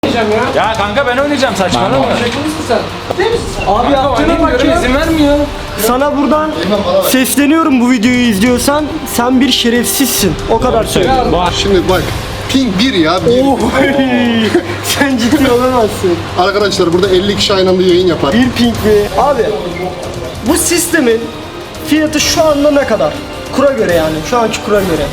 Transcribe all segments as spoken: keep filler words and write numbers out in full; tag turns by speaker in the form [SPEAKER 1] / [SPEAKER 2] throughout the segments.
[SPEAKER 1] Ya. ya kanka ben oynayacağım saçmalama.
[SPEAKER 2] Abi yaptığına bak ya.
[SPEAKER 1] İzin vermiyor.
[SPEAKER 2] Sana buradan sesleniyorum, bu videoyu izliyorsan sen bir şerefsizsin. O kadar söylüyorum.
[SPEAKER 3] Şimdi bak. Ping bir ya. Bir.
[SPEAKER 2] Oy, sen ciddi olamazsın.
[SPEAKER 3] Arkadaşlar burada elli kişi aynı anda yayın yapar.
[SPEAKER 2] Bir ping mi? Abi bu sistemin fiyatı şu anda ne kadar? Kura göre yani. Şu anki kura göre.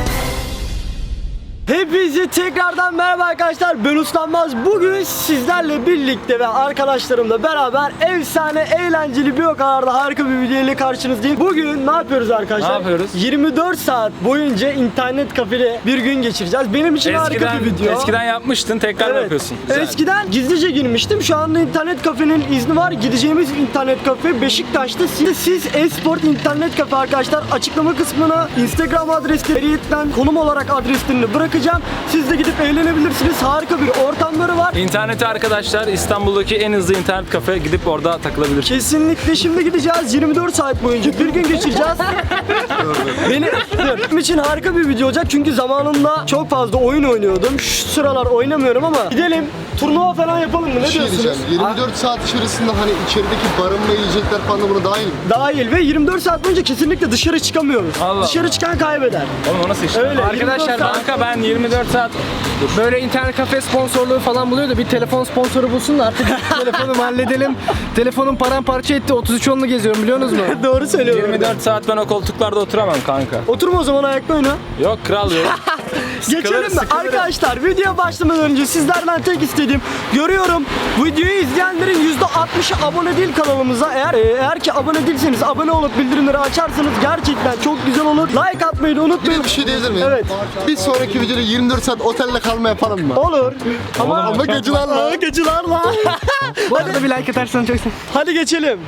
[SPEAKER 2] Hepinize tekrardan merhaba arkadaşlar, ben Uslanmaz. Bugün sizlerle birlikte ve arkadaşlarımla beraber efsane, eğlenceli bir o kadar da harika bir video ile karşınızdayım. Bugün ne yapıyoruz arkadaşlar?
[SPEAKER 1] Ne yapıyoruz?
[SPEAKER 2] yirmi dört saat boyunca internet kafede bir gün geçireceğiz. Benim için harika bir video.
[SPEAKER 1] Eskiden yapmıştın, tekrar
[SPEAKER 2] Evet.
[SPEAKER 1] yapıyorsun. Güzel.
[SPEAKER 2] Eskiden gizlice girmiştim. Şu anda internet kafenin izni var. Gideceğimiz internet kafe Beşiktaş'ta. Siz, siz Esport internet kafe arkadaşlar. Açıklama kısmına Instagram adreslerinden konum olarak adreslerini bırakacağım. Siz de gidip eğlenebilirsiniz. Harika bir ortamları var.
[SPEAKER 1] İnternete arkadaşlar, İstanbul'daki en hızlı internet kafe, gidip orada takılabilirsiniz.
[SPEAKER 2] Kesinlikle şimdi gideceğiz. yirmi dört saat boyunca bir gün geçireceğiz. Beni dur. Benim için harika bir video olacak çünkü zamanında çok fazla oyun oynuyordum. Şu sıralar oynamıyorum ama gidelim turnuva falan yapalım mı? Ne
[SPEAKER 3] Bir şey
[SPEAKER 2] diyorsunuz?
[SPEAKER 3] diyeceğim. yirmi dört saat içerisinde hani içerideki barınma, yiyecekler falan da buna dahil mi?
[SPEAKER 2] Dahil ve yirmi dört saat boyunca kesinlikle dışarı çıkamıyoruz.
[SPEAKER 1] Allah
[SPEAKER 2] Dışarı
[SPEAKER 1] Allah.
[SPEAKER 2] çıkan kaybeder.
[SPEAKER 1] Oğlum o nasıl iş?
[SPEAKER 2] Öyle.
[SPEAKER 4] Arkadaşlar,
[SPEAKER 2] yirmi dört saat-
[SPEAKER 1] Kanka ben yirmi dört saat
[SPEAKER 4] Böyle internet kafe sponsorluğu falan buluyor da bir telefon sponsoru bulsun da artık telefonumu halledelim. Telefonum paramparça etti. otuz üç onlu geziyorum, biliyorsunuz mu?
[SPEAKER 2] Doğru söylüyorum.
[SPEAKER 1] yirmi dört saat ben o koltuklarda oturamam kanka.
[SPEAKER 2] Oturma o zaman, ayakta oyna.
[SPEAKER 1] Yok kral yok.
[SPEAKER 2] Geçelim mi?
[SPEAKER 1] sıkılırım.
[SPEAKER 2] Arkadaşlar videoya başlamadan önce sizlerden tek istediğim, görüyorum videoyu izleyenlerin yüzde altmışı abone değil kanalımıza. Eğer eğer ki abone değilseniz abone olup bildirimleri açarsanız gerçekten çok güzel olur. Like atmayı da
[SPEAKER 3] Bir
[SPEAKER 2] unutmayın.
[SPEAKER 3] de bir şey diyebilir miyim?
[SPEAKER 2] Evet.
[SPEAKER 3] Bir sonraki videoda yirmi dört saat otelde kalma yapalım mı?
[SPEAKER 2] Olur. Ama
[SPEAKER 3] Ama gacılarla.
[SPEAKER 2] Aa, gacılarla.
[SPEAKER 4] Bu arada bir like atarsan çok sevinirim.
[SPEAKER 2] Hadi geçelim.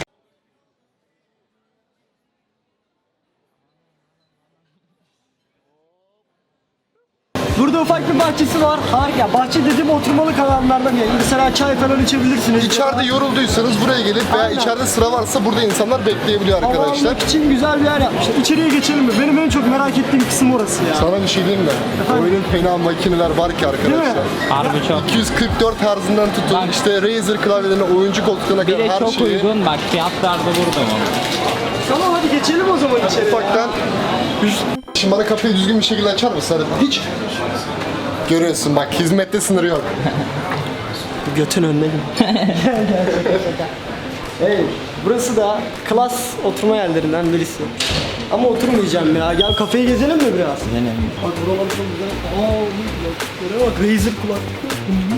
[SPEAKER 2] Burada ufak bir bahçesi var. Harika. Bahçe dediğim oturmalık alanlardan yani. Mesela çay falan içebilirsiniz.
[SPEAKER 3] İçeride yorulduysanız buraya gelip veya
[SPEAKER 2] Aynen.
[SPEAKER 3] içeride sıra varsa burada insanlar bekleyebiliyor
[SPEAKER 2] Hava
[SPEAKER 3] arkadaşlar.
[SPEAKER 2] almak için güzel bir yer yapmışlar. İçeriye geçelim mi? Benim en çok merak ettiğim kısım orası ya.
[SPEAKER 3] Sana bir şey diyeyim mi? Oyunun fena makineler var ki arkadaşlar.
[SPEAKER 5] Harbi çok.
[SPEAKER 3] iki yüz kırk dört Hz'ından tutun
[SPEAKER 5] Bak.
[SPEAKER 3] işte Razer klavyelerine, oyuncu koltuklarına
[SPEAKER 5] Bir
[SPEAKER 3] kadar
[SPEAKER 5] de
[SPEAKER 3] her
[SPEAKER 5] çok
[SPEAKER 3] şeyi.
[SPEAKER 5] uygun, bak fiyatlar da burada mı?
[SPEAKER 2] Tamam hadi geçelim o zaman içeri.
[SPEAKER 3] Ufaktan. Şimdi bana kapıyı düzgün bir şekilde açar mısın? Hadi. Hiç. Görüyorsun bak, hizmette sınırı yok.
[SPEAKER 2] Götün önüne gel. Hey, burası da klas oturma yerlerinden birisi. Ama oturmayacağım ya. Gel kafeyi gezelim mi biraz?
[SPEAKER 5] Benim.
[SPEAKER 2] Bak buralar çok güzel. Aa, bu bak Razer kulaklık.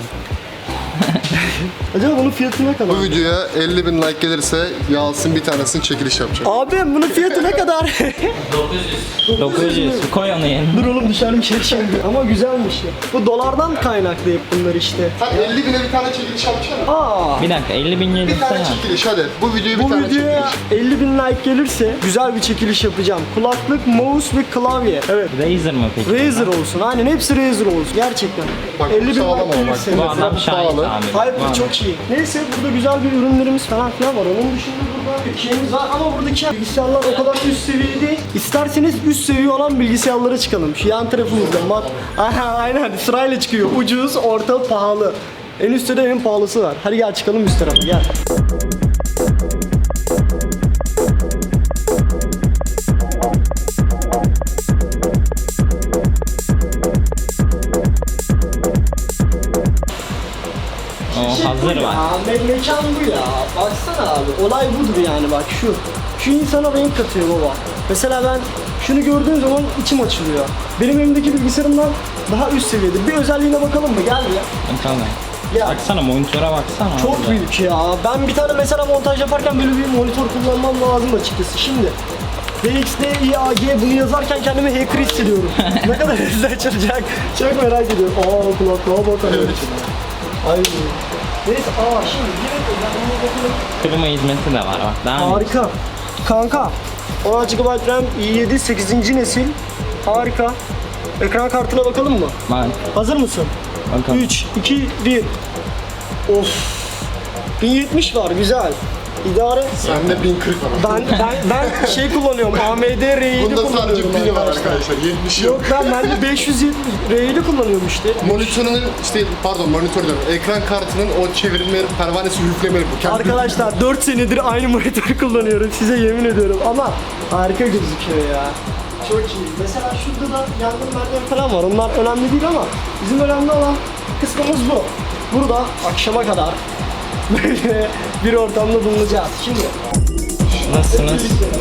[SPEAKER 2] Acaba bunun fiyatı ne kadar?
[SPEAKER 3] Bu videoya elli bin like gelirse Yalçın bir tanesini çekiliş yapacak.
[SPEAKER 2] Abi bunun fiyatı ne kadar?
[SPEAKER 5] dokuz yüz. Koy onu yerine.
[SPEAKER 2] Dur oğlum dışarı bir şey şimdi. Ama güzelmiş ya. Bu dolardan kaynaklı hep bunlar işte.
[SPEAKER 3] Sen elli bine bir tane çekiliş yapacaksın.
[SPEAKER 2] Aa.
[SPEAKER 5] Bir dakika, elli bin
[SPEAKER 3] Bir
[SPEAKER 5] gelirse
[SPEAKER 3] tane
[SPEAKER 5] ya.
[SPEAKER 3] çekiliş hadi. Bu videoya bir
[SPEAKER 2] Bu
[SPEAKER 3] tane
[SPEAKER 2] videoya
[SPEAKER 3] çekiliş.
[SPEAKER 2] elli bin like gelirse güzel bir çekiliş yapacağım. Kulaklık, mouse ve klavye. Evet.
[SPEAKER 5] Razer mı peki?
[SPEAKER 2] Razer olsun. Aynen hepsi Razer olsun. Gerçekten.
[SPEAKER 3] Bak,
[SPEAKER 2] elli bin
[SPEAKER 3] bu sağlam
[SPEAKER 2] like
[SPEAKER 3] ama bak.
[SPEAKER 2] gelirse.
[SPEAKER 5] Bu adam şahit
[SPEAKER 3] pahalı.
[SPEAKER 5] abi.
[SPEAKER 2] Hayır
[SPEAKER 5] Bu
[SPEAKER 2] bu
[SPEAKER 5] adam-
[SPEAKER 2] çok iyi. Neyse burada güzel bir ürünlerimiz falan filan var. Onun dışında burada bir şeyimiz var ama buradaki bilgisayarlar o kadar üst seviye değil. İsterseniz üst seviye olan bilgisayarlara çıkalım. Şu yan tarafımızda mat. Aha aynen sırayla çıkıyor. Ucuz, orta, pahalı. En üstte de en pahalısı var. Hadi gel çıkalım üst tarafa gel.
[SPEAKER 5] O hazır var.
[SPEAKER 2] Ya, me- mekan bu ya. Baksana abi. Olay budur yani bak şu. Şu insana renk katıyor baba. Mesela ben şunu gördüğüm zaman içim açılıyor. Benim elimdeki bilgisayarımdan daha üst seviyede. Bir özelliğine bakalım mı? Gel ya.
[SPEAKER 5] Tamam.
[SPEAKER 2] Ya
[SPEAKER 5] Baksana, monitöre baksana.
[SPEAKER 2] çok
[SPEAKER 5] orada.
[SPEAKER 2] büyük ya. Ben bir tane mesela montaj yaparken böyle bir monitör kullanmam lazım açıkçası. Şimdi B X D I A G bunu yazarken kendimi hacker hissediyorum. Ne kadar hızlı açılacak. Çok merak ediyorum. Aa kulaklığa bakalım. Ay. Neyse aa şimdi direkt özelliğine bakalım.
[SPEAKER 5] Klima hizmeti de var bak. Daha mı?
[SPEAKER 2] Harika. Kanka. on altı gigabayt RAM i yedi sekizinci nesil. Harika. Ekran kartına bakalım mı?
[SPEAKER 5] Bak.
[SPEAKER 2] Hazır mısın?
[SPEAKER 5] Bakalım.
[SPEAKER 2] üç, iki, bir. Of. bin yetmiş var güzel. İdare.
[SPEAKER 3] Sende bin kırk var.
[SPEAKER 2] Ben ben ben şey kullanıyorum. A M D R yedi
[SPEAKER 3] Bunda sadece
[SPEAKER 2] kullanıyorum
[SPEAKER 3] pili var
[SPEAKER 2] arkadaşlar.
[SPEAKER 3] arkadaşlar. yetmiş
[SPEAKER 2] Yok
[SPEAKER 3] yok.
[SPEAKER 2] ben ben de beş yüz yetmiş R yedi kullanıyorum işte.
[SPEAKER 3] Monitörünün işte pardon monitör diyorum. Ekran kartının o çevirme pervanesi üflemeli bu. Kendi
[SPEAKER 2] Arkadaşlar dört senedir aynı monitörü kullanıyorum size yemin ediyorum ama harika gözüküyor ya. Çok iyi. Mesela şurada da yangın merdiveni falan var. Onlar önemli değil ama bizim önemli olan kısmımız bu. Burada akşama kadar böyle bir ortamda bulunacağız. Şimdi
[SPEAKER 5] Nasılsınız?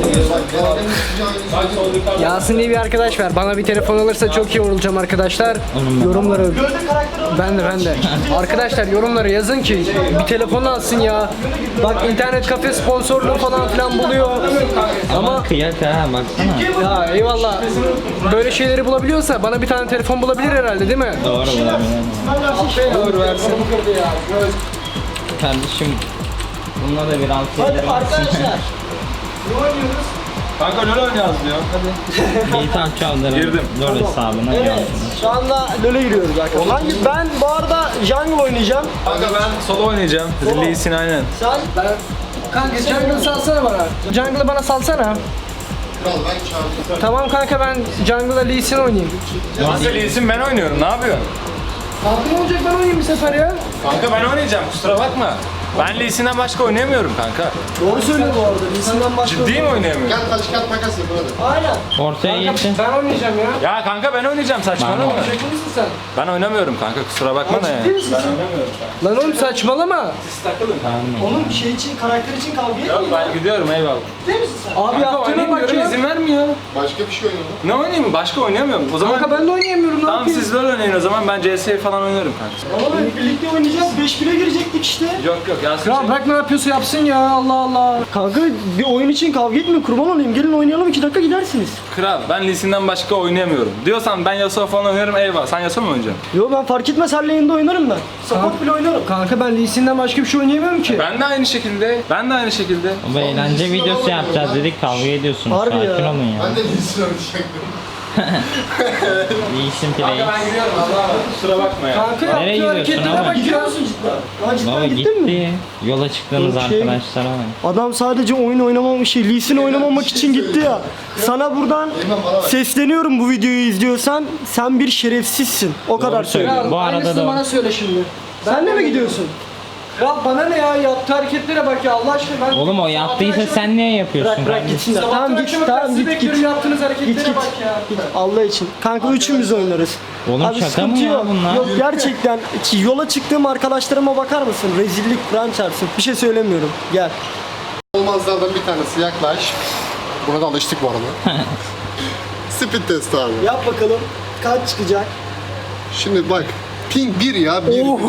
[SPEAKER 4] Yasin diye bir arkadaş var. Bana bir telefon alırsa çok iyi olacağım arkadaşlar. Yorumları
[SPEAKER 2] gölde karakter olarak
[SPEAKER 4] ben de ben de. Arkadaşlar yorumlara yazın ki bir telefon alsın ya. Bak internet kafe sponsorluğu falan filan buluyor.
[SPEAKER 5] Ama kıyak ha baksana.
[SPEAKER 4] Ya eyvallah. Böyle şeyleri bulabiliyorsa bana bir tane telefon bulabilir herhalde değil mi?
[SPEAKER 5] Doğru bulabilirim.
[SPEAKER 4] Doğru versin.
[SPEAKER 5] Kardeşim bununla da bir altı
[SPEAKER 2] Hadi
[SPEAKER 5] yedirim.
[SPEAKER 2] arkadaşlar. Ne oynuyoruz?
[SPEAKER 1] Kanka LoL oynayacağız diyor. Hadi.
[SPEAKER 5] İyi tamam çaldırın.
[SPEAKER 1] Girdim.
[SPEAKER 5] Doğru hesabına
[SPEAKER 2] Evet.
[SPEAKER 5] gelsin.
[SPEAKER 2] Şu anda LoL'e giriyoruz arkadaşlar. Hangi ben bu arada jungle oynayacağım.
[SPEAKER 1] Kanka ben solo oynayacağım.
[SPEAKER 2] Solo.
[SPEAKER 1] Lee Sin aynen.
[SPEAKER 2] Sen
[SPEAKER 4] Ben Kanka jungle'ı salsana bana. Jungle'ı bana salsana.
[SPEAKER 3] Kral ben çağırdım.
[SPEAKER 4] Tamam kanka ben jungle'da Lee Sin oynayayım.
[SPEAKER 1] Nasıl Lee Sin ben oynuyorum. Ne yapıyorsun?
[SPEAKER 4] Kanka ne olacak ben oynayayım bir sefer ya.
[SPEAKER 1] Kanka ben oynayacağım. Kusura bakma. Ben Lee Sin'den başka oynayamıyorum kanka.
[SPEAKER 2] doğru söylüyor bu arada. Lisandan başka.
[SPEAKER 1] Ciddi mi oynayamıyorum?
[SPEAKER 3] Gel taş kağıt makas yapın hadi.
[SPEAKER 2] Aynen.
[SPEAKER 5] Ortaya geçin.
[SPEAKER 4] Ben oynayacağım ya.
[SPEAKER 1] Ya kanka ben oynayacağım saçmalama.
[SPEAKER 5] Ben-
[SPEAKER 4] Şaka mısın sen?
[SPEAKER 1] Ben oynamıyorum kanka kusura bakma da
[SPEAKER 2] Ciddi
[SPEAKER 1] ya.
[SPEAKER 2] misin sen?
[SPEAKER 4] Lan oğlum saçmalama.
[SPEAKER 2] Onun şey için, karakter için kavga etmiyor.
[SPEAKER 1] Yok ben gidiyorum eyvallah.
[SPEAKER 2] Ciddi misin sen?
[SPEAKER 4] Abi
[SPEAKER 1] Kanka
[SPEAKER 4] yaptığına
[SPEAKER 1] oynayayım
[SPEAKER 4] bak
[SPEAKER 1] diyorum
[SPEAKER 4] ya.
[SPEAKER 1] izin vermiyor.
[SPEAKER 3] Başka bir şey oynayalım.
[SPEAKER 1] Ne oynayayım başka oynayamıyorum. O zaman
[SPEAKER 4] Kanka ben de oynayamıyorum ne
[SPEAKER 1] tamam
[SPEAKER 4] yapayım?
[SPEAKER 1] siz LoL oynayın o zaman ben C S falan oynarım kanka.
[SPEAKER 2] Ama hep birlikte oynayacağız. beş bire girecektik işte.
[SPEAKER 1] Yok yok Yasin
[SPEAKER 4] Ya
[SPEAKER 1] şey-
[SPEAKER 4] bırak ne yapıyorsa yapsın ya Allah Allah.
[SPEAKER 2] Kanka bir oyun için kavga etmeyin. Kurban olayım. Gelin oynayalım. iki dakika gidersiniz.
[SPEAKER 1] Kral ben Lee Sin'den başka oynayamıyorum. Diyorsan ben Yasuo falan oynarım eyvallah. Sen Yasuo mu oynayacaksın?
[SPEAKER 2] Yo ben fark etmez. Her lane'de oynarım ben. Support bile oynarım.
[SPEAKER 4] Kanka ben Lee Sin'den başka bir şey oynayamıyorum ki.
[SPEAKER 1] Ben de aynı şekilde. Ben de aynı şekilde.
[SPEAKER 5] Bu eğlence videosu yapacağız dedik kavga ediyorsunuz.
[SPEAKER 2] Harbi
[SPEAKER 5] Sakin
[SPEAKER 2] ya.
[SPEAKER 5] olun ya.
[SPEAKER 3] Ben de lisin oynayacaktım.
[SPEAKER 5] İyisin play.
[SPEAKER 1] Ben gidiyorum Allah'a emanet. Kusura bakma ya.
[SPEAKER 4] Kanka
[SPEAKER 5] Nereye
[SPEAKER 4] yaptığı
[SPEAKER 5] gidiyorsun
[SPEAKER 4] hareketlere
[SPEAKER 5] ama?
[SPEAKER 4] bak
[SPEAKER 2] Gidiyor
[SPEAKER 4] ya.
[SPEAKER 2] musun cidden? Lan cidden
[SPEAKER 5] Baba
[SPEAKER 2] gittin mi?
[SPEAKER 5] gitti. Yola çıktığınız
[SPEAKER 2] Yok, şey-
[SPEAKER 5] arkadaşlara bak.
[SPEAKER 2] Adam sadece oyun oynamamak şey, Lee Sin oynamamak için gitti ya. Sana buradan sesleniyorum bu videoyu izliyorsan. Sen bir şerefsizsin. O kadar söylüyorum.
[SPEAKER 5] söylüyor. Bu arada
[SPEAKER 4] Aynısını
[SPEAKER 5] da-
[SPEAKER 4] bana söyle şimdi.
[SPEAKER 2] Sen de mi gidiyorsun?
[SPEAKER 4] Ya bana ne ya yaptığı hareketlere bak ya Allah aşkına ben...
[SPEAKER 5] Oğlum o yaptıysa sen niye yapıyorsun
[SPEAKER 2] Bırak bırak
[SPEAKER 5] kardeşim?
[SPEAKER 2] gitsinler.
[SPEAKER 4] Sabahtan
[SPEAKER 2] Tamam git
[SPEAKER 4] akşama kadar
[SPEAKER 2] tamam
[SPEAKER 4] sizi
[SPEAKER 2] git git.
[SPEAKER 4] bekliyorum, yaptığınız hareketlere
[SPEAKER 2] Git git.
[SPEAKER 4] bak ya.
[SPEAKER 2] Git Allah için. Kanka üçümüz oynarız.
[SPEAKER 5] Oğlum şaka
[SPEAKER 2] sıkıntı
[SPEAKER 5] mı ya
[SPEAKER 2] yok.
[SPEAKER 5] bunlar?
[SPEAKER 2] Yok gerçekten ki yola çıktığım arkadaşlarıma bakar mısın? Rezillik Kur'an çarpsın. Bir şey söylemiyorum. Gel.
[SPEAKER 3] Olmazlardan bir tanesi yaklaş. Buna da alıştık bu arada. Speed test abi.
[SPEAKER 2] Yap bakalım. Kaç çıkacak?
[SPEAKER 3] Şimdi bak. Ping bir ya bir.
[SPEAKER 2] Oy.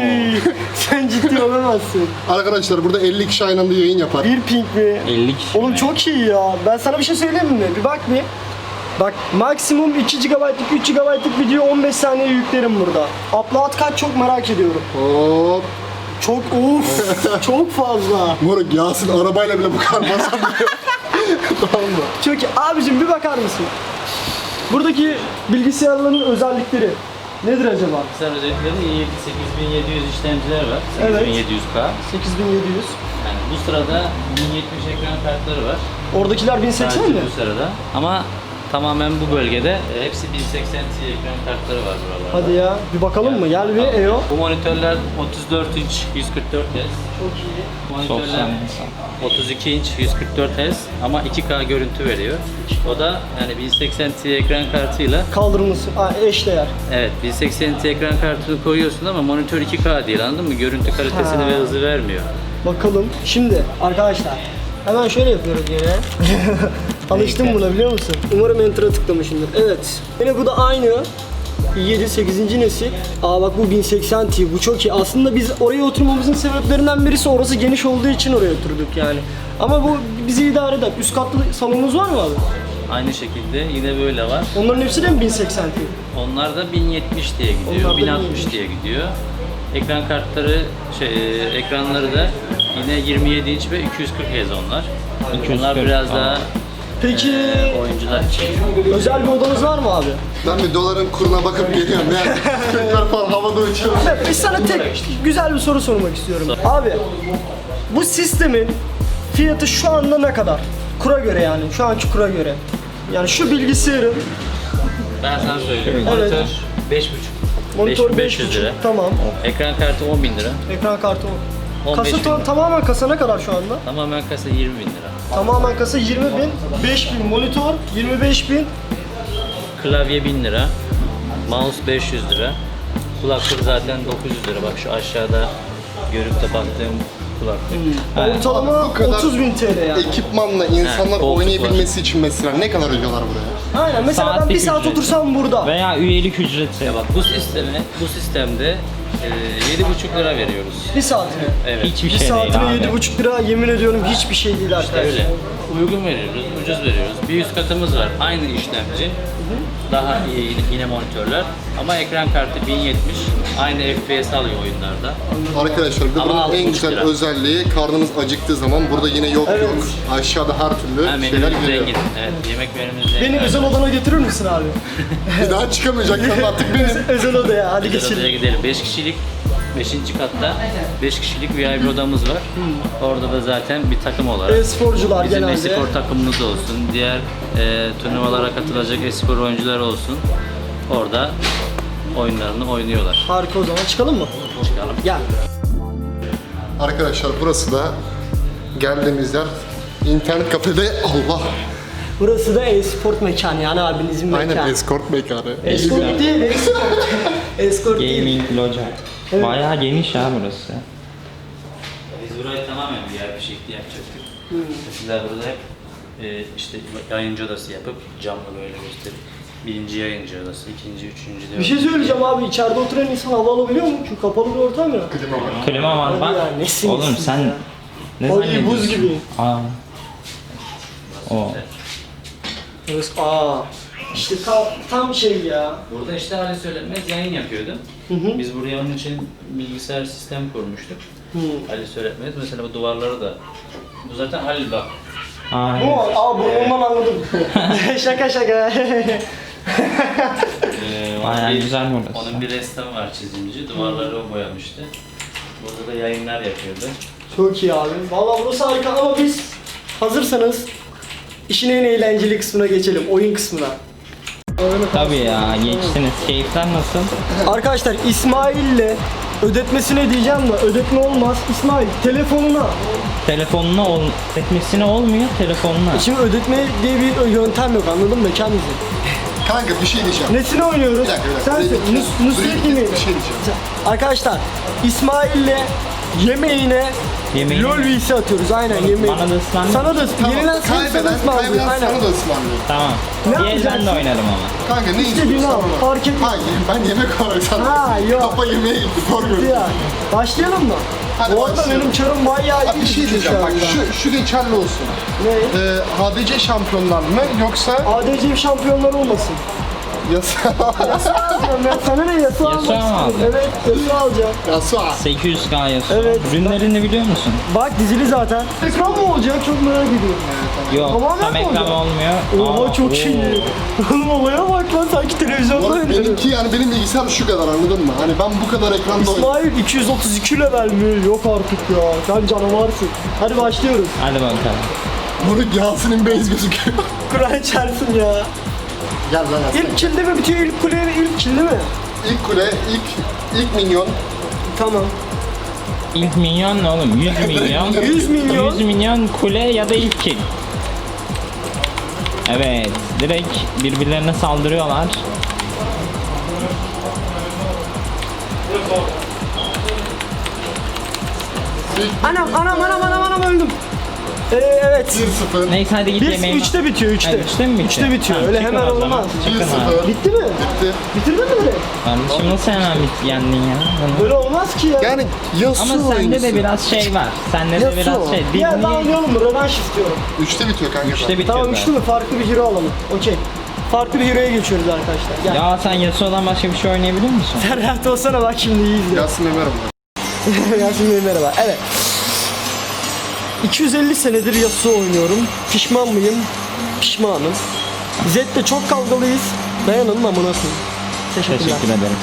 [SPEAKER 2] Sen ciddi olamazsın.
[SPEAKER 3] Arkadaşlar burada elli kişi aynı anda yayın yapar.
[SPEAKER 2] Bir ping mi?
[SPEAKER 5] elli kişi.
[SPEAKER 2] Oğlum çok iyi ya. Ben sana bir şey söyleyeyim mi? Bir bak bir. Bak maksimum iki gigabaytlık, üç gigabaytlık video on beş saniye yüklerim burada. Upload kaç çok merak ediyorum.
[SPEAKER 3] Hop.
[SPEAKER 2] Çok of çok fazla.
[SPEAKER 3] Moruk Yasin arabayla bile bu kadar basamıyor. Tamam mı?
[SPEAKER 2] Çok iyi. Abicim bir bakar mısın? Buradaki bilgisayarların özellikleri nedir acaba?
[SPEAKER 6] Bilgisayar özellikleri i yedi sekiz bin yedi yüz işlemciler var.
[SPEAKER 2] Evet.
[SPEAKER 6] sekiz bin yedi yüz K.
[SPEAKER 2] sekiz bin yedi yüz.
[SPEAKER 6] Yani bu sırada bin yetmiş ekran kartları var.
[SPEAKER 2] Oradakiler bin seksen
[SPEAKER 6] Sadece
[SPEAKER 2] mi?
[SPEAKER 6] bu sırada. Ama tamamen bu bölgede e, hepsi bin seksen Ti ekran kartları var buralarda.
[SPEAKER 2] Hadi ya bir bakalım mı? Gel bir E O.
[SPEAKER 6] Bu monitörler otuz dört inç yüz kırk dört Hz.
[SPEAKER 2] Çok iyi.
[SPEAKER 6] Monitörler otuz iki inç yüz kırk dört Hz ama iki K görüntü veriyor. O da yani bin seksen Ti ekran kartıyla
[SPEAKER 2] Kaldırılması Aa, eşdeğer.
[SPEAKER 6] evet bin seksen Ti ekran kartını koyuyorsun ama monitör iki K değil anladın mı? Görüntü kalitesini
[SPEAKER 2] Ha.
[SPEAKER 6] ve hızı vermiyor.
[SPEAKER 2] Bakalım. Şimdi arkadaşlar hemen şöyle yapıyoruz yine. Alıştım buna biliyor musun? Umarım enter'a tıklamışımdır. Evet. Yine bu da aynı. i yedi sekizinci nesil. Aa bak bu bin seksen Ti. Bu çok iyi. Aslında biz oraya oturmamızın sebeplerinden birisi orası geniş olduğu için oraya oturduk yani. Ama bu bizi idare eder. Üst katlı salonumuz var mı abi?
[SPEAKER 6] Aynı şekilde yine böyle var.
[SPEAKER 2] Onların hepsi de mi bin seksen Ti?
[SPEAKER 6] Onlar da bin yetmiş diye gidiyor,
[SPEAKER 2] Onlar da
[SPEAKER 6] bin altmış
[SPEAKER 2] bin yetmiş.
[SPEAKER 6] diye gidiyor. Ekran kartları, şey, e, ekranları da yine yirmi yedi inç ve iki yüz kırk Hz onlar. Onlar biraz daha
[SPEAKER 2] Peki
[SPEAKER 6] e, oyuncular için.
[SPEAKER 2] özel bir odanız var mı abi?
[SPEAKER 3] Ben bir doların kuruna bakıp geliyorum. Yani Türkler falan havada uçuyor.
[SPEAKER 2] Evet, biz sana tek güzel bir soru sormak istiyorum. Abi, bu sistemin fiyatı şu anda ne kadar? Kura göre yani, şu anki kura göre. Yani şu bilgisayarın
[SPEAKER 6] Ben sana söyleyeyim.
[SPEAKER 2] Evet.
[SPEAKER 6] Monitör beş buçuk.
[SPEAKER 2] monitör
[SPEAKER 6] beş
[SPEAKER 2] beş
[SPEAKER 6] yüz
[SPEAKER 2] buçuk.
[SPEAKER 6] lira.
[SPEAKER 2] Tamam.
[SPEAKER 6] Ekran kartı on bin lira.
[SPEAKER 2] Ekran kartı o.
[SPEAKER 6] on beş
[SPEAKER 2] Kasa
[SPEAKER 6] bin
[SPEAKER 2] to-
[SPEAKER 6] lira.
[SPEAKER 2] tamamen kasa ne kadar şu anda?
[SPEAKER 6] Tamamen kasa yirmi bin lira.
[SPEAKER 2] Tamamen kasa yirmi bin, beş bin monitör, yirmi beş bin.
[SPEAKER 6] Klavye bin lira. Mouse beş yüz lira. Kulaklık zaten dokuz yüz lira. Bak şu aşağıda görüp de baktığım kulaklık.
[SPEAKER 2] Ortalama
[SPEAKER 3] Bu kadar
[SPEAKER 2] otuz bin T L yani.
[SPEAKER 3] Ekipmanla insanlar
[SPEAKER 6] He, koltuk
[SPEAKER 3] oynayabilmesi için mesela ne kadar ödüyorlar buraya?
[SPEAKER 2] Aynen mesela ben bir
[SPEAKER 5] Saatlik
[SPEAKER 2] saat
[SPEAKER 5] ücret.
[SPEAKER 2] otursam burada.
[SPEAKER 5] Veya üyelik ücreti.
[SPEAKER 6] Ya bak bu sisteme, bu sistemde e, yedi buçuk lira veriyoruz.
[SPEAKER 2] Bir saatine.
[SPEAKER 6] Evet.
[SPEAKER 5] Hiçbir
[SPEAKER 2] Bir
[SPEAKER 5] şey değil
[SPEAKER 2] saatine
[SPEAKER 5] abi.
[SPEAKER 2] yedi buçuk lira yemin ediyorum hiçbir şey değil arkadaşlar.
[SPEAKER 6] Öyle. Uygun veriyoruz, ucuz veriyoruz. Bir üst katımız var. Aynı işlemci. Daha iyi yine monitörler. Ama ekran kartı bin yetmiş. Aynı F P S alıyor oyunlarda.
[SPEAKER 3] Arkadaşlar bir de
[SPEAKER 6] Ama
[SPEAKER 3] bunun
[SPEAKER 6] altı
[SPEAKER 3] en
[SPEAKER 6] buçuk
[SPEAKER 3] güzel
[SPEAKER 6] lira.
[SPEAKER 3] özelliği karnınız acıktığı zaman burada yine yok
[SPEAKER 2] Evet.
[SPEAKER 3] yok. Aşağıda her türlü
[SPEAKER 6] Ha,
[SPEAKER 3] şeyler
[SPEAKER 6] menümüz
[SPEAKER 3] geliyor.
[SPEAKER 6] zengin. Evet, yemek menümüz zengin.
[SPEAKER 2] Beni özel odana götürür müsün abi?
[SPEAKER 3] Bir daha çıkamayacaklar artık benim.
[SPEAKER 2] Özel odaya hadi
[SPEAKER 6] Özel odaya
[SPEAKER 2] geçelim.
[SPEAKER 6] gidelim. beş kişilik beşinci katta beş kişilik V I P odamız var. Orada da zaten bir takım olarak
[SPEAKER 2] E-sporcular
[SPEAKER 6] bizim
[SPEAKER 2] genelde.
[SPEAKER 6] espor takımımız olsun, diğer e, turnuvalara katılacak espor oyuncular olsun. Orada oyunlarını oynuyorlar.
[SPEAKER 2] Harika, o zaman çıkalım mı?
[SPEAKER 6] Çıkalım.
[SPEAKER 2] Gel.
[SPEAKER 3] Arkadaşlar burası da geldiğimiz yer internet kafede Allah.
[SPEAKER 2] Burası da e-sport mekanı yani abinizin mekanı.
[SPEAKER 3] Aynen escort mekanı.
[SPEAKER 2] Escort değil, escort. Escort değil.
[SPEAKER 5] Gaming loca.
[SPEAKER 2] Evet.
[SPEAKER 5] Bayağı geniş ha burası.
[SPEAKER 6] Biz burayı tamamen V I P şekli yapacaktık. Mesela burada hep e, işte yayıncı odası yapıp camla böyle gösterip birinci yayıncı odası, ikinci, üçüncü diye.
[SPEAKER 2] Bir şey söyleyeceğim abi, içeride oturan insan hava alabiliyor mu? Çünkü kapalı bir ortam ya.
[SPEAKER 5] Klima var
[SPEAKER 2] Hadi
[SPEAKER 5] bak.
[SPEAKER 2] ya, nesin
[SPEAKER 5] Oğlum
[SPEAKER 2] nesin
[SPEAKER 5] sen
[SPEAKER 2] ya?
[SPEAKER 5] ne
[SPEAKER 2] Oy,
[SPEAKER 5] zannediyorsun?
[SPEAKER 2] buz gibi.
[SPEAKER 5] Aa. O.
[SPEAKER 2] Evet, aa. İşte tam, tam şey ya.
[SPEAKER 6] Burada işte Ali Söylenmez yayın yapıyordu.
[SPEAKER 2] Hı hı.
[SPEAKER 6] Biz buraya onun için bilgisayar sistem kurmuştuk.
[SPEAKER 2] Hı.
[SPEAKER 6] Ali Söylenmez mesela bu duvarları da. Bu zaten Halil bak.
[SPEAKER 5] Aa,
[SPEAKER 2] Bu mu? Aa burnumdan anladım. şaka şaka.
[SPEAKER 6] Ee, onun
[SPEAKER 5] Bayağı
[SPEAKER 6] bir-
[SPEAKER 5] güzel burası.
[SPEAKER 6] Onun bir ressamı var çizimci. Duvarları o boyamıştı. Burada da yayınlar yapıyordu.
[SPEAKER 2] Çok iyi abi. Vallahi burası harika ama biz hazırsanız işin en eğlenceli kısmına geçelim. Oyun kısmına.
[SPEAKER 5] tabii ya geçtiniz. Keyifler nasıl?
[SPEAKER 2] Arkadaşlar İsmail'le ödetmesine diyeceğim de ödetme olmaz. İsmail telefonuna.
[SPEAKER 5] Telefonuna ol etmesine olmuyor telefonuna.
[SPEAKER 2] Şimdi ödetme diye bir yöntem yok, anladın mı kendisi?
[SPEAKER 3] Kanka bir şey diyeceğim.
[SPEAKER 2] Nesine oynuyoruz?
[SPEAKER 3] Bir dakika, bir dakika.
[SPEAKER 2] Sen
[SPEAKER 3] Buraya
[SPEAKER 2] söyle.
[SPEAKER 3] bir-
[SPEAKER 2] Nus-
[SPEAKER 3] buraya
[SPEAKER 2] Nusret
[SPEAKER 3] bir-
[SPEAKER 2] yemeği.
[SPEAKER 3] bir şey diyeceğim.
[SPEAKER 2] Arkadaşlar İsmail'le yemeğine
[SPEAKER 5] Yemeğine-
[SPEAKER 2] LOL V C atıyoruz aynen
[SPEAKER 5] Bana-
[SPEAKER 2] yemeği.
[SPEAKER 5] bana da ısmarla.
[SPEAKER 2] Sana da
[SPEAKER 3] Tamam,
[SPEAKER 2] yenilen sen sana
[SPEAKER 3] kaybeden,
[SPEAKER 2] ısmarlıyor.
[SPEAKER 3] kaybeden
[SPEAKER 2] Aynen.
[SPEAKER 3] sana da ısmarlıyor.
[SPEAKER 5] Tamam.
[SPEAKER 2] Ne
[SPEAKER 5] Bir el ben
[SPEAKER 2] yapacaksın?
[SPEAKER 5] de oynarım ama.
[SPEAKER 3] Kanka ne
[SPEAKER 2] İstediğini
[SPEAKER 3] istiyorsan
[SPEAKER 2] al,
[SPEAKER 3] ona.
[SPEAKER 2] fark etmez.
[SPEAKER 3] Hayır ben yemek olarak sana.
[SPEAKER 2] Ha, yok.
[SPEAKER 3] Kafa yemeğe gitti doğru
[SPEAKER 2] Ya, başlayalım mı?
[SPEAKER 3] Hadi
[SPEAKER 2] Bu arada
[SPEAKER 3] başlayalım.
[SPEAKER 2] benim çarım bayağı iyi.
[SPEAKER 3] Abi bir şey diyeceğim bak
[SPEAKER 2] anda.
[SPEAKER 3] şu, şu geçerli olsun.
[SPEAKER 2] Ne?
[SPEAKER 3] Ee, H D C şampiyonlar mı yoksa
[SPEAKER 2] A D C şampiyonlar olmasın.
[SPEAKER 3] yasa?
[SPEAKER 2] Yasa alacağım ya. Sana ne yasa almak
[SPEAKER 5] Yasa mı
[SPEAKER 2] istiyorum.
[SPEAKER 5] aldın?
[SPEAKER 2] Evet yasa alacağım.
[SPEAKER 3] Yasa.
[SPEAKER 5] sekiz yüz K yazıyor.
[SPEAKER 2] Evet.
[SPEAKER 5] Ürünlerini biliyor musun?
[SPEAKER 2] Bak dizili zaten. Ekran mı olacak? Çok merak ediyorum.
[SPEAKER 5] Yok.
[SPEAKER 2] Tamamen
[SPEAKER 5] Tam
[SPEAKER 2] mi
[SPEAKER 5] ekran
[SPEAKER 2] olacak?
[SPEAKER 5] olmuyor.
[SPEAKER 2] Oha
[SPEAKER 5] Aa,
[SPEAKER 2] çok
[SPEAKER 5] oo.
[SPEAKER 2] iyi. Oğlum olaya bak lan, sanki televizyonda
[SPEAKER 3] Oğlum,
[SPEAKER 2] oynuyorum.
[SPEAKER 3] benimki yani benim bilgisayar şu kadar anladın mı? Hani ben bu kadar ekranda oynuyorum.
[SPEAKER 2] İsmail iki yüz otuz iki level mi? Yok artık ya. Sen canavarsın. Hadi başlıyoruz.
[SPEAKER 5] Hadi bakalım.
[SPEAKER 3] Bunu Yasin'in base gözüküyor.
[SPEAKER 2] Kur'an çarpsın ya.
[SPEAKER 3] Gel lan Yasin.
[SPEAKER 2] İlk kilde mi bitiyor? İlk kule ilk kilde mi?
[SPEAKER 3] İlk kule, ilk ilk minyon.
[SPEAKER 2] Tamam.
[SPEAKER 5] İlk milyon ne oğlum? yüz milyon.
[SPEAKER 2] yüz milyon.
[SPEAKER 5] yüz milyon kule ya da ilk kill. Evet. Direkt birbirlerine saldırıyorlar.
[SPEAKER 2] Anam anam anam anam anam öldüm. Ee, evet.
[SPEAKER 3] bir sıfır.
[SPEAKER 5] Neyse hadi git
[SPEAKER 2] Bir
[SPEAKER 5] yemeğe.
[SPEAKER 2] üçte bitiyor üçte.
[SPEAKER 5] Ha, üçte mi bitiyor?
[SPEAKER 2] Üçte bitiyor.
[SPEAKER 5] Tamam,
[SPEAKER 2] Öyle
[SPEAKER 5] çıkın
[SPEAKER 2] hemen
[SPEAKER 5] o zaman.
[SPEAKER 2] olmaz.
[SPEAKER 5] Çıkın
[SPEAKER 3] bir
[SPEAKER 5] abi.
[SPEAKER 3] sıfır.
[SPEAKER 2] Bitti mi?
[SPEAKER 3] Bitti.
[SPEAKER 2] Bitirdin mi direkt?
[SPEAKER 5] Kardeşim nasıl hemen bit yendin ya?
[SPEAKER 2] Böyle olmaz ki ya.
[SPEAKER 3] Yani Yasuo
[SPEAKER 5] Ama sende
[SPEAKER 3] oyuncusu.
[SPEAKER 5] de biraz şey var. Sende de
[SPEAKER 3] Yasuo.
[SPEAKER 5] biraz şey.
[SPEAKER 2] Bir yer daha
[SPEAKER 5] Dilini
[SPEAKER 2] oynayalım mı? Rövanş istiyorum.
[SPEAKER 3] Üçte bitiyor kanka.
[SPEAKER 5] üçte
[SPEAKER 3] zaten.
[SPEAKER 5] bitiyor
[SPEAKER 2] Tamam
[SPEAKER 5] zaten.
[SPEAKER 2] üçlü mü? Farklı bir hero alalım. Okey. Farklı bir hero'ya geçiyoruz arkadaşlar. Gel.
[SPEAKER 5] Ya sen Yasuo'dan başka bir şey oynayabiliyor musun?
[SPEAKER 2] Sen rahat olsana, bak şimdi iyi izle.
[SPEAKER 3] Yasin Ömer var.
[SPEAKER 2] Yasin Bey merhaba. Evet. iki yüz elli senedir Yasuo oynuyorum. Pişman mıyım? Pişmanım. Zed'le çok kavgalıyız. Dayanın amına koyayım. Teşekkürler.
[SPEAKER 5] Teşekkür ederim.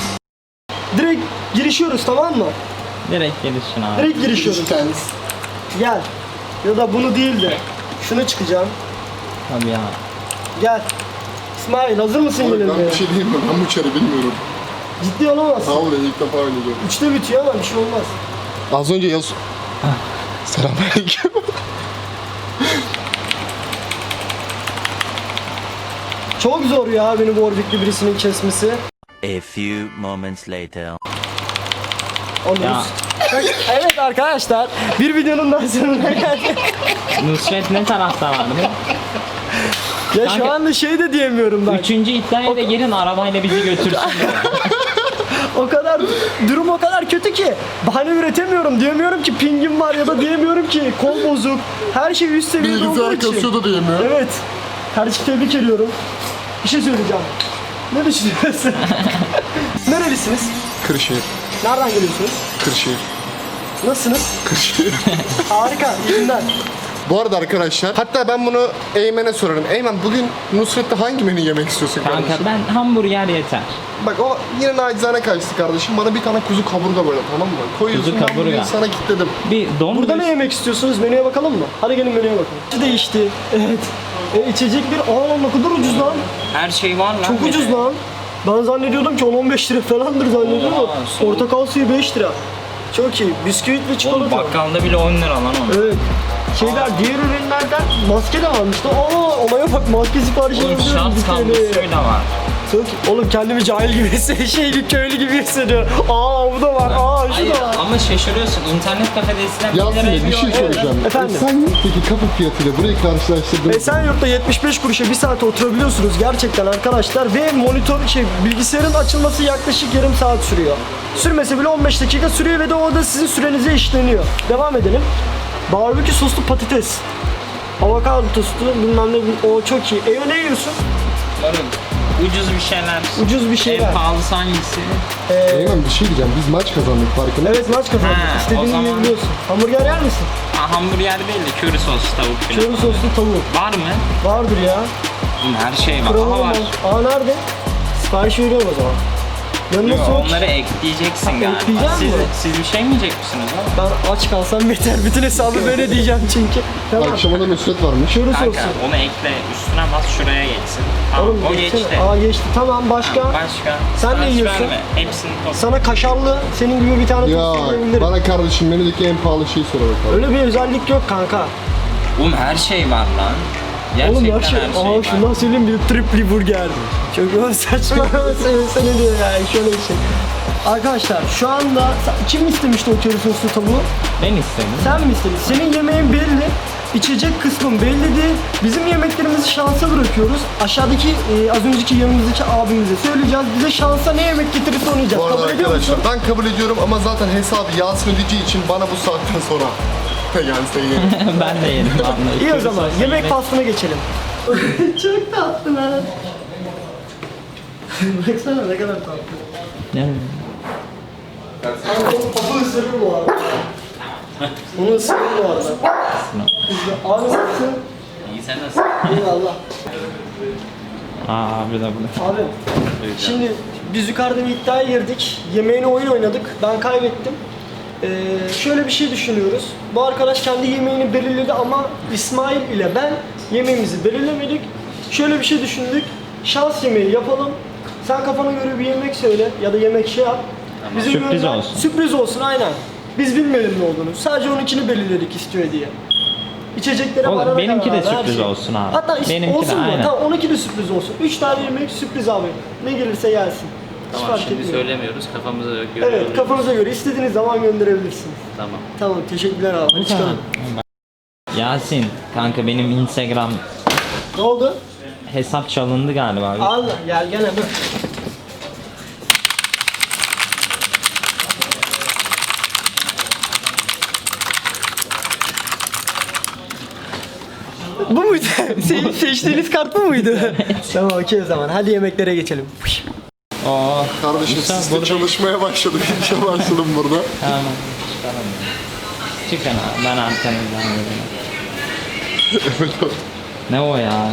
[SPEAKER 2] Direkt girişiyoruz, tamam mı?
[SPEAKER 5] Direkt gelişsin abi.
[SPEAKER 2] Direkt girişiyoruz.
[SPEAKER 3] Kendisi.
[SPEAKER 2] Gel. Ya da bunu değil de şunu çıkacağım.
[SPEAKER 5] Tabii ya.
[SPEAKER 2] Gel. İsmail hazır mısın
[SPEAKER 3] Oğlum, ben
[SPEAKER 2] yenilmeye?
[SPEAKER 3] bir şey diyeyim mi? Ben bu çarı bilmiyorum.
[SPEAKER 2] Ciddi olamazsın.
[SPEAKER 3] Vallahi ilk defa oynayacağım.
[SPEAKER 2] Üçte bitiyor ama bir şey olmaz.
[SPEAKER 3] Az önce yaz... Selamünaleyküm.
[SPEAKER 2] Çok zor ya beni bu Warwick'li birisinin kesmesi.
[SPEAKER 7] A few moments later.
[SPEAKER 2] Onu
[SPEAKER 5] Ya.
[SPEAKER 2] Evet arkadaşlar, bir videonun daha sonuna geldik.
[SPEAKER 5] Nusret ne tarafta vardı?
[SPEAKER 2] Ya şu
[SPEAKER 5] Kanka-
[SPEAKER 2] anda şey de diyemiyorum ben.
[SPEAKER 5] Üçüncü iddiaya da gelin arabayla bizi götürsün.
[SPEAKER 2] O kadar durum o kadar kötü ki bahane üretemiyorum. Diyemiyorum ki pingim var ya da diyemiyorum ki kol bozuk. Her şey üst seviyede olduğu
[SPEAKER 3] Bilgisayar
[SPEAKER 2] için.
[SPEAKER 3] kasıyor da diyemiyor.
[SPEAKER 2] Evet. Kardeşim tebrik ediyorum. Bir şey söyleyeceğim. Ne düşünüyorsun? Nerelisiniz?
[SPEAKER 3] Kırşehir.
[SPEAKER 2] Nereden geliyorsunuz?
[SPEAKER 3] Kırşehir.
[SPEAKER 2] Nasılsınız?
[SPEAKER 3] Kırşehir.
[SPEAKER 2] Harika, iyi günler.
[SPEAKER 3] Bu arada arkadaşlar, hatta ben bunu Eymen'e sorarım. Eymen bugün Nusret'te hangi menü yemek istiyorsun kardeşim?
[SPEAKER 5] Kanka ben hamburger yeter.
[SPEAKER 3] Bak o yine nacizane kaçtı kardeşim. Bana bir tane kuzu kaburga böyle, tamam mı? Koyuyorsun,
[SPEAKER 5] Kuzu
[SPEAKER 3] ben bugün
[SPEAKER 5] kaburga.
[SPEAKER 3] sana kilitledim.
[SPEAKER 5] Bir don
[SPEAKER 2] Burada ne yemek istiyorsunuz? Menüye bakalım mı? Hadi gelin menüye bakalım. İçi değişti. Evet. E, içecek bir... Aa lan ne kadar ucuz lan.
[SPEAKER 5] her şey var lan.
[SPEAKER 2] Çok
[SPEAKER 5] bir
[SPEAKER 2] ucuz
[SPEAKER 5] de.
[SPEAKER 2] lan. Ben zannediyordum ki on on beş lira falandır zannediyordum.
[SPEAKER 5] Oha, soğuk.
[SPEAKER 2] Portakal suyu beş lira. Çok iyi. Bisküvit ve
[SPEAKER 5] Oğlum
[SPEAKER 2] çikolata.
[SPEAKER 5] bakkalda bile on lira lan o.
[SPEAKER 2] Evet. Şeyler diğer ürünlerden maske de varmıştı. Aa olaya bak maske siparişi
[SPEAKER 5] Oğlum
[SPEAKER 2] yazıyorum
[SPEAKER 5] şans
[SPEAKER 2] bir tane.
[SPEAKER 5] kablosuyla var.
[SPEAKER 2] Çok iyi. Oğlum kendimi cahil gibi hissediyorum. Şey gibi köylü gibi hissediyorum. Aa bu da var. Aa şu
[SPEAKER 5] Hayır
[SPEAKER 2] da var.
[SPEAKER 5] ama şaşırıyorsun. İnternet kafede eskiden bir
[SPEAKER 3] Yasin
[SPEAKER 5] liraya
[SPEAKER 3] Bey bir şey
[SPEAKER 5] oyun-
[SPEAKER 3] soracağım.
[SPEAKER 2] Efendim?
[SPEAKER 3] Esenyurt'taki kapı fiyatıyla burayı karşılaştırdığınız
[SPEAKER 2] Esenyurt'ta yetmiş beş kuruşa bir saat oturabiliyorsunuz gerçekten arkadaşlar ve monitör şey bilgisayarın açılması yaklaşık yarım saat sürüyor. Sürmese bile on beş dakika sürüyor ve de o da sizin sürenize işleniyor. Devam edelim. Barbekü soslu patates. Avokado tostu bilmem ne o çok iyi. Eyo ne yiyorsun?
[SPEAKER 5] Moruk, ucuz bir şeyler.
[SPEAKER 2] Ucuz bir şeyler.
[SPEAKER 5] En pahalısı hangisi?
[SPEAKER 3] Eymen bir şey diyeceğim. Biz maç kazandık farkında.
[SPEAKER 2] Evet maç kazandık.
[SPEAKER 5] Ha, o
[SPEAKER 2] İstediğini
[SPEAKER 5] zaman-
[SPEAKER 2] yiyebiliyorsun. Hamburger yer misin?
[SPEAKER 5] Ha, hamburger değil de köri soslu tavuk falan.
[SPEAKER 2] Köri soslu tavuk.
[SPEAKER 5] Var mı?
[SPEAKER 2] Vardır ya.
[SPEAKER 5] Oğlum her şey var.
[SPEAKER 2] Kralım
[SPEAKER 5] Aha var.
[SPEAKER 2] Aa nerede? Sipariş veriyorum o zaman. Yanına
[SPEAKER 5] Yo,
[SPEAKER 2] soğuk.
[SPEAKER 5] onları ekleyeceksin galiba.
[SPEAKER 2] ekleyeceğim
[SPEAKER 5] Siz,
[SPEAKER 2] mi?
[SPEAKER 5] siz bir şey mi yiyecek misiniz lan?
[SPEAKER 2] Ben aç kalsam yeter. Bütün hesabı böyle diyeceğim çünkü. Tamam.
[SPEAKER 3] Akşama da Nusret varmış.
[SPEAKER 2] Köri
[SPEAKER 5] Kanka
[SPEAKER 2] soslu.
[SPEAKER 5] onu ekle üstüne bas şuraya geçsin. Tamam
[SPEAKER 2] Oğlum
[SPEAKER 5] o
[SPEAKER 2] geçsene.
[SPEAKER 5] geçti.
[SPEAKER 2] Aa geçti. Tamam başka.
[SPEAKER 5] Başka.
[SPEAKER 2] Sen ne
[SPEAKER 5] Sipariş
[SPEAKER 2] yiyorsun?
[SPEAKER 5] verme. Hepsini top.
[SPEAKER 2] Sana kaşarlı senin gibi bir tane
[SPEAKER 3] Ya
[SPEAKER 2] tost yiyebilirim.
[SPEAKER 3] bana kardeşim menüdeki en pahalı şeyi sor bakalım.
[SPEAKER 2] Öyle bir özellik yok kanka.
[SPEAKER 5] Oğlum her şey var lan.
[SPEAKER 2] Oğlum
[SPEAKER 5] Gerçekten
[SPEAKER 2] her şey.
[SPEAKER 5] her şey
[SPEAKER 2] Aa
[SPEAKER 5] var.
[SPEAKER 2] şundan söyleyeyim bir tripli burger. Çok saçma sen, sen ne diyor yani şöyle bir şey. Arkadaşlar şu anda kim istemişti o köri soslu tavuğu?
[SPEAKER 5] Ben istedim.
[SPEAKER 2] Sen mi istedin? Senin yemeğin belli. İçecek kısmın belli değil. Bizim yemeklerimizi şansa bırakıyoruz. Aşağıdaki e, az önceki yanımızdaki abimize söyleyeceğiz. Bize şansa ne yemek getirirse onu yiyeceğiz.
[SPEAKER 3] Bu arada
[SPEAKER 2] Kabul ediyor musun?
[SPEAKER 3] arkadaşlar ben kabul ediyorum ama zaten hesabı Yasin ödeyeceği için bana bu saatten sonra yani sen yerim.
[SPEAKER 5] Ben de yedim vallahi.
[SPEAKER 2] İyi o
[SPEAKER 5] Köri
[SPEAKER 2] zaman
[SPEAKER 5] soslu
[SPEAKER 2] yemek faslına geçelim. Çok tatlı lan. Baksana ne kadar tatlı.
[SPEAKER 5] Ne?
[SPEAKER 2] Kanka onun topu ısırır bu arada. Onu ısırır bu arada. Kızdı. Abi nasılsın?
[SPEAKER 5] İyi sen nasılsın?
[SPEAKER 2] Eyvallah.
[SPEAKER 5] Aa abi de bu.
[SPEAKER 2] Abi şimdi biz yukarıda bir iddiaya girdik. Yemeğini oyun oynadık. Ben kaybettim. Ee, şöyle bir şey düşünüyoruz. Bu arkadaş kendi yemeğini belirledi ama İsmail ile ben yemeğimizi belirlemedik. Şöyle bir şey düşündük. Şans yemeği yapalım. Sen kafana göre bir yemek söyle ya da yemek şey yap. Bizim
[SPEAKER 5] Sürpriz
[SPEAKER 2] gönder-
[SPEAKER 5] olsun.
[SPEAKER 2] Sürpriz olsun aynen. Biz bilmeyelim ne olduğunu. Sadece onunkini belirledik istiyor diye. İçeceklere
[SPEAKER 5] Oğlum,
[SPEAKER 2] varana
[SPEAKER 5] benimki
[SPEAKER 2] kadar
[SPEAKER 5] de
[SPEAKER 2] her
[SPEAKER 5] sürpriz
[SPEAKER 2] şey.
[SPEAKER 5] olsun abi.
[SPEAKER 2] Hatta is-
[SPEAKER 5] Benimki de
[SPEAKER 2] olsun mu?
[SPEAKER 5] aynen.
[SPEAKER 2] Tamam onunki de sürpriz olsun. Üç tane yemek sürpriz abi. Ne gelirse gelsin. Hiç
[SPEAKER 6] Tamam
[SPEAKER 2] fark
[SPEAKER 6] şimdi
[SPEAKER 2] etmiyor.
[SPEAKER 6] söylemiyoruz kafamıza göre
[SPEAKER 2] Evet
[SPEAKER 6] görüyoruz.
[SPEAKER 2] kafanıza göre istediğiniz zaman gönderebilirsiniz.
[SPEAKER 6] Tamam.
[SPEAKER 2] Tamam teşekkürler abi. Hadi çıkalım.
[SPEAKER 5] Yasin kanka benim Instagram
[SPEAKER 2] Ne oldu?
[SPEAKER 5] hesap çalındı galiba.
[SPEAKER 2] Allah gel gel hemen. Bu muydu? Senin seçtiğiniz kart bu muydu? Tamam okey o zaman. Hadi yemeklere geçelim.
[SPEAKER 5] Oo.
[SPEAKER 3] Kardeşim
[SPEAKER 5] Musa,
[SPEAKER 3] siz de
[SPEAKER 5] burada-
[SPEAKER 3] çalışmaya başladık. İşe başladım burada.
[SPEAKER 5] Tamam. Çıkalım. Çıkın abi ben arkanızdan gelirim. Ne o ya?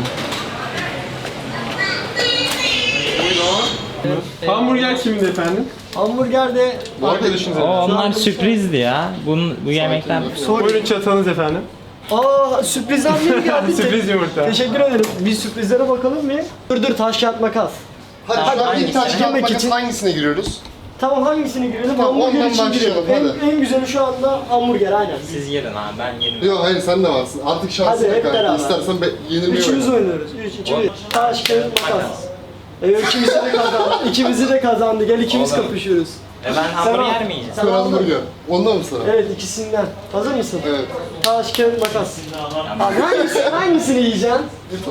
[SPEAKER 8] Hamburger kimindi efendim?
[SPEAKER 2] Hamburger de
[SPEAKER 3] Bu arkadaşınız
[SPEAKER 5] O onlar sürprizdi ya. Bunun, bu yemekler
[SPEAKER 8] Buyurun çatalınız efendim.
[SPEAKER 2] Aa sürprizden mi geldi?
[SPEAKER 8] Sürpriz yumurta.
[SPEAKER 2] Teşekkür ederim. Bir sürprizlere bakalım bir. Dur dur taş kağıt makas.
[SPEAKER 3] Hadi şu an ilk
[SPEAKER 5] hangisine?
[SPEAKER 3] taş kağıt
[SPEAKER 2] Girmek
[SPEAKER 3] makas
[SPEAKER 2] için-
[SPEAKER 3] hangisine giriyoruz?
[SPEAKER 2] Tamam hangisini girelim?
[SPEAKER 3] Tamam,
[SPEAKER 2] Hamburger
[SPEAKER 3] ondan
[SPEAKER 2] için
[SPEAKER 3] başlayalım,
[SPEAKER 2] girelim. En,
[SPEAKER 3] hadi.
[SPEAKER 2] en güzeli şu anda hamburger aynen.
[SPEAKER 5] Siz yerin abi ben yerim.
[SPEAKER 3] Yok hayır sen de varsın. Artık şansın
[SPEAKER 2] Hadi, hep
[SPEAKER 3] yok kanka.
[SPEAKER 2] beraber.
[SPEAKER 3] İstersen be, yenilmeyi
[SPEAKER 2] Üçümüz
[SPEAKER 3] oyna.
[SPEAKER 2] oynuyoruz. Üç, iki, bir. Taş kağıt makas. Evet ikimizi de kazandı. İkimizi de kazandı. Gel ikimiz
[SPEAKER 5] Oğlum.
[SPEAKER 2] kapışıyoruz.
[SPEAKER 5] E ben hamburger mi yiyeceğim?
[SPEAKER 2] Sen
[SPEAKER 3] Sen
[SPEAKER 2] aldın.
[SPEAKER 3] hamburger. Ondan mı sana?
[SPEAKER 2] Evet ikisinden. Hazır mısın?
[SPEAKER 3] Evet.
[SPEAKER 2] Taş kağıt makas. Abi hangisini, hangisini yiyeceksin?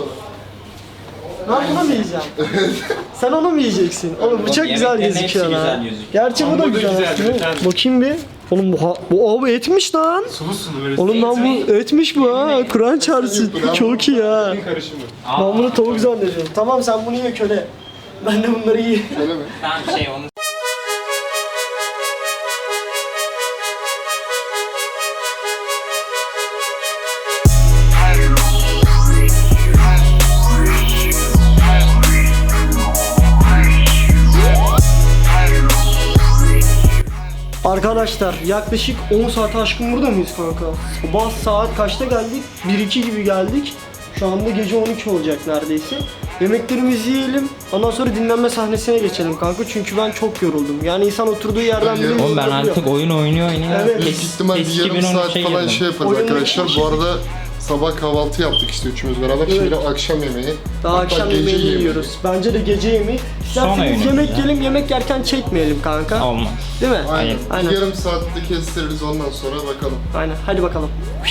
[SPEAKER 2] Ben bunu mu yiyeceğim? Sen onu mu yiyeceksin? Oğlum bu çok güzel
[SPEAKER 5] Yemeklerin
[SPEAKER 2] gözüküyor
[SPEAKER 5] hepsi
[SPEAKER 2] lan.
[SPEAKER 5] güzel gözüküyor.
[SPEAKER 2] Gerçi bu da
[SPEAKER 8] Hamburger
[SPEAKER 2] güzel.
[SPEAKER 8] güzel,
[SPEAKER 2] aslında.
[SPEAKER 8] güzel.
[SPEAKER 2] Bakayım bir. Oğlum bu, ha- bu abi etmiş lan.
[SPEAKER 8] Sulu sulu böyle.
[SPEAKER 2] Oğlum lan bu etmiş bu ha. Kur'an çarpsın. Çok iyi ha.
[SPEAKER 8] Karışımı.
[SPEAKER 2] Ben bunu tavuk zannediyorum. Tamam sen bunu ye köle. Ben de bunları yiyeyim.
[SPEAKER 3] Öyle mi?
[SPEAKER 5] Tamam şey onu
[SPEAKER 2] Arkadaşlar yaklaşık on saat aşkın burada mıyız kanka? Sabah saat kaçta geldik? bir iki gibi geldik. Şu anda gece on iki olacak neredeyse. Yemeklerimizi yiyelim. Ondan sonra dinlenme sahnesine geçelim kanka. Çünkü ben çok yoruldum. Yani insan oturduğu yerden bile
[SPEAKER 3] Oğlum
[SPEAKER 5] Oğlum ben
[SPEAKER 2] yoruluyor.
[SPEAKER 5] artık oyun oynuyor oynuyor.
[SPEAKER 2] Evet.
[SPEAKER 3] Büyük ihtimal bir
[SPEAKER 5] Eski
[SPEAKER 3] yarım
[SPEAKER 5] bin on
[SPEAKER 3] saat
[SPEAKER 5] üçe
[SPEAKER 3] falan
[SPEAKER 5] girdim.
[SPEAKER 3] şey yaparız
[SPEAKER 2] Oyun
[SPEAKER 3] arkadaşlar.
[SPEAKER 2] oynamak
[SPEAKER 3] Bu arada sabah kahvaltı yaptık işte üçümüz beraber. Şimdi akşam yemeği.
[SPEAKER 2] Daha
[SPEAKER 3] Hatta
[SPEAKER 2] akşam
[SPEAKER 3] gece
[SPEAKER 2] yemeği
[SPEAKER 3] yemeği.
[SPEAKER 2] yiyoruz. Bence de gece yemeği.
[SPEAKER 5] Sonra
[SPEAKER 2] İsterseniz
[SPEAKER 5] yemeği
[SPEAKER 2] yemek
[SPEAKER 5] ya.
[SPEAKER 2] yiyelim, yemek yerken çekmeyelim kanka.
[SPEAKER 5] Olmaz.
[SPEAKER 2] Değil mi?
[SPEAKER 3] Aynen.
[SPEAKER 2] Aynen.
[SPEAKER 3] Yarım saatte kestiririz ondan sonra bakalım.
[SPEAKER 2] Aynen. Hadi bakalım.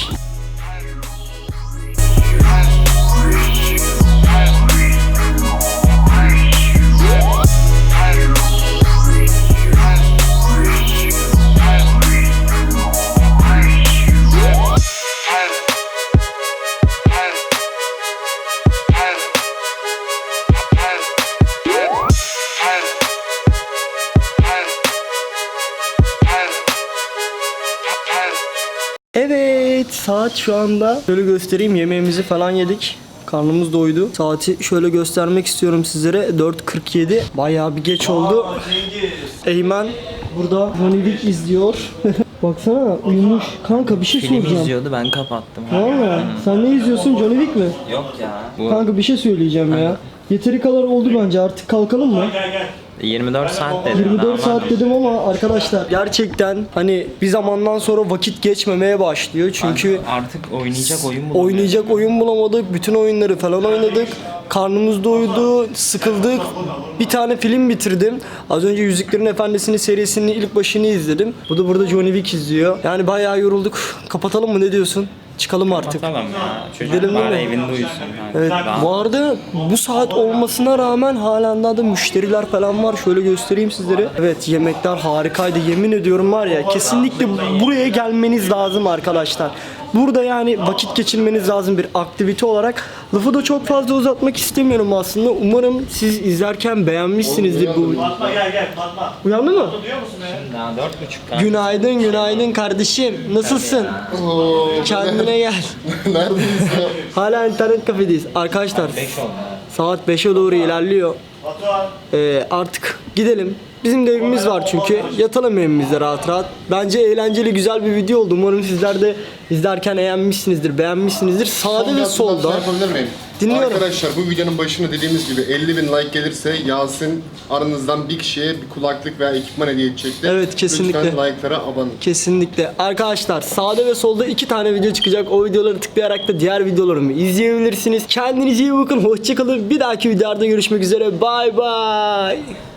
[SPEAKER 2] Evet, saat şu anda şöyle göstereyim, yemeğimizi falan yedik. Karnımız doydu. Saati şöyle göstermek istiyorum sizlere. dört kırk yedi. Bayağı bir geç oldu. Eymen burada Monivik izliyor. Baksana uyumuş. Kanka bir şey
[SPEAKER 5] Film
[SPEAKER 2] soracağım.
[SPEAKER 5] izliyordu ben kapattım.
[SPEAKER 2] Valla sen ne izliyorsun? Johnny Wick mi?
[SPEAKER 5] Yok ya. Bu
[SPEAKER 2] Kanka bir şey söyleyeceğim ya. Yeteri kadar oldu bence, artık kalkalım mı?
[SPEAKER 5] yirmi dört saat dedim.
[SPEAKER 2] yirmi dört
[SPEAKER 5] Daha
[SPEAKER 2] saat dedim ama arkadaşlar gerçekten hani bir zamandan sonra vakit geçmemeye başlıyor. Çünkü
[SPEAKER 5] artık oynayacak oyun bulamıyorum.
[SPEAKER 2] oynayacak oyun bulamadık. Bütün oyunları falan oynadık. Karnımız doydu, sıkıldık. Bir tane film bitirdim. Az önce Yüzüklerin Efendisi'nin serisinin ilk başını izledim. Bu da burada Johnny Wick izliyor. Yani bayağı yorulduk. Kapatalım mı, ne diyorsun? Çıkalım artık.
[SPEAKER 5] Tamam ya. Çocuk
[SPEAKER 2] Gidelim
[SPEAKER 5] bari
[SPEAKER 2] değil mi?
[SPEAKER 5] evinde uyusun. Yani.
[SPEAKER 2] Evet.
[SPEAKER 5] Rahat.
[SPEAKER 2] Bu arada bu saat olmasına rağmen halen daha da müşteriler falan var. Şöyle göstereyim sizlere. Evet, yemekler harikaydı. Yemin ediyorum var ya, kesinlikle buraya gelmeniz lazım arkadaşlar. Burada yani vakit geçirmeniz lazım bir aktivite olarak. Lafı da çok fazla uzatmak istemiyorum aslında. Umarım siz izlerken beğenmişsinizdir bu.
[SPEAKER 8] Fatma gel gel Fatma.
[SPEAKER 2] Uyandı mı?
[SPEAKER 8] Duyuyor musun beni?
[SPEAKER 5] Daha dört buçuk kan.
[SPEAKER 2] Günaydın, günaydın kardeşim. Nasılsın?
[SPEAKER 3] Oo,
[SPEAKER 2] Kendine gel.
[SPEAKER 3] neredeyiz ya?
[SPEAKER 2] Hala internet kafedeyiz. Arkadaşlar
[SPEAKER 5] beş oldu.
[SPEAKER 2] saat beşe doğru ilerliyor.
[SPEAKER 8] Batuhan.
[SPEAKER 2] Ee, artık gidelim. Bizim de evimiz var çünkü. Yatalım evimizde rahat rahat. Bence eğlenceli, güzel bir video oldu. Umarım sizler de izlerken beğenmişsinizdir, beğenmişsinizdir. Sağda ve solda.
[SPEAKER 3] Şey yapabilir miyim?
[SPEAKER 2] Dinliyorum.
[SPEAKER 3] Arkadaşlar bu videonun başında dediğimiz gibi elli bin like gelirse Yasin aranızdan bir kişiye bir kulaklık veya ekipman hediye edecektir.
[SPEAKER 2] Evet, kesinlikle.
[SPEAKER 3] Lütfen like'lara abone olun.
[SPEAKER 2] Kesinlikle. Arkadaşlar sağda ve solda iki tane video çıkacak. O videoları tıklayarak da diğer videolarımı izleyebilirsiniz. Kendinize iyi bakın. Hoşçakalın. Bir dahaki videoda görüşmek üzere. Bye bye.